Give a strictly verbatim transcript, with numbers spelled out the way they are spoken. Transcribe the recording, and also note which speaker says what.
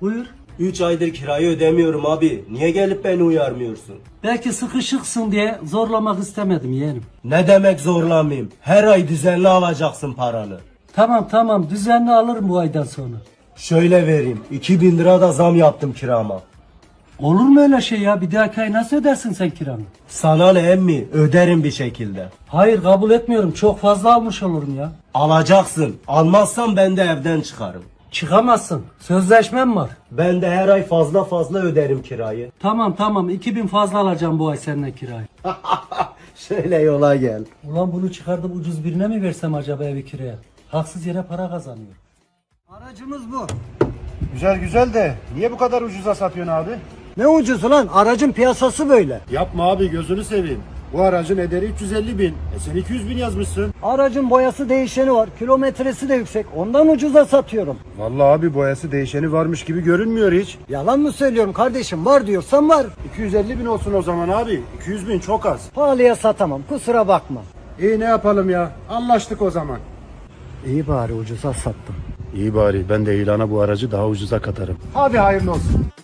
Speaker 1: Buyur.
Speaker 2: Üç aydır kirayı ödemiyorum abi. Niye gelip beni uyarmıyorsun?
Speaker 1: Belki sıkışıksın diye zorlamak istemedim yeğenim.
Speaker 2: Ne demek zorlamayayım? Her ay düzenli alacaksın paranı.
Speaker 1: Tamam tamam düzenli alırım bu aydan sonra.
Speaker 2: Şöyle vereyim. iki bin lira da zam yaptım kirama.
Speaker 1: Olur mu öyle şey ya? Bir dahaki ay nasıl ödersin sen kiranı?
Speaker 2: Sana ne emmi? Öderim bir şekilde.
Speaker 1: Hayır kabul etmiyorum. Çok fazla almış olurum ya.
Speaker 2: Alacaksın. Almazsan ben de evden çıkarım.
Speaker 1: Çıkamazsın. Sözleşmem var.
Speaker 2: Ben de her ay fazla fazla öderim kirayı.
Speaker 1: Tamam tamam iki bin fazla alacağım bu ay senden kirayı.
Speaker 2: Şöyle yola gel.
Speaker 1: Ulan bunu çıkardım ucuz birine mi versem acaba evi kiraya? Haksız yere para kazanıyor. Aracımız bu.
Speaker 3: Güzel güzel de niye bu kadar ucuza satıyorsun abi?
Speaker 4: Ne ucuz lan? Aracın piyasası böyle.
Speaker 3: Yapma abi gözünü seveyim. Bu aracın ederi üç yüz elli bin. E sen iki yüz bin yazmışsın.
Speaker 4: Aracın boyası değişeni var. Kilometresi de yüksek. Ondan ucuza satıyorum.
Speaker 3: Vallahi abi boyası değişeni varmış gibi görünmüyor hiç.
Speaker 4: Yalan mı söylüyorum kardeşim? Var diyorsan var.
Speaker 3: iki yüz elli bin olsun o zaman abi. iki yüz bin çok az.
Speaker 4: Pahalıya satamam. Kusura bakma.
Speaker 3: İyi ne yapalım ya? Anlaştık o zaman.
Speaker 4: İyi bari ucuza sattım.
Speaker 3: İyi bari ben de ilana bu aracı daha ucuza katarım. Hadi hayırlı olsun.